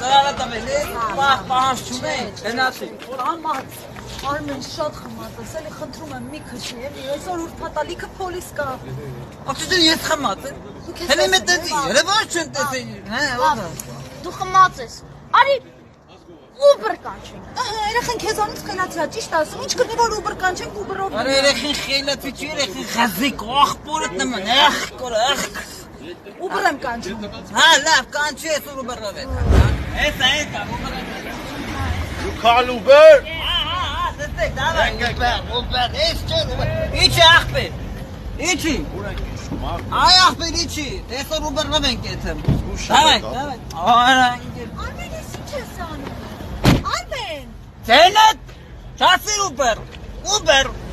տվել է, պահանջ չունեին, գնացի։ Համած, Արմեն շատ խմած ես, էլի խնդրում եմ մի քշի, էլի, այսօր ուրբաթալիքը պոլիս կա։ Ախտի ես խմած եմ։ Հենց մտածի, երևան չեն տեսել, հա։ Դու խմած ես։ Արի Uber կանչենք։ Ահա, երեխեն քեզանից խելացի է, ճիշտ ասում, ինչ կնի որ Uber կանչենք, Uber-ով։ Արա երեխին խելացի չի, երեխին խազիկ, ախպորդ նման, կորախ։ Uber եմ կանչում։ Հա, լավ, կանչի ես Uber-ով է։ Էսա, Uber-ով է։ You call Uber? Հա, դստեք, դավայ, Uber, ես չէ, իչի ախպեր, իչի։ Այ ախպեր, իչի, տեսոր Uber-ով ենք եթեմ։ Դավայ, արա, Արմեն, ես ինչ ես անում։ Արմեն։ Ձենդ, չասիր Uber,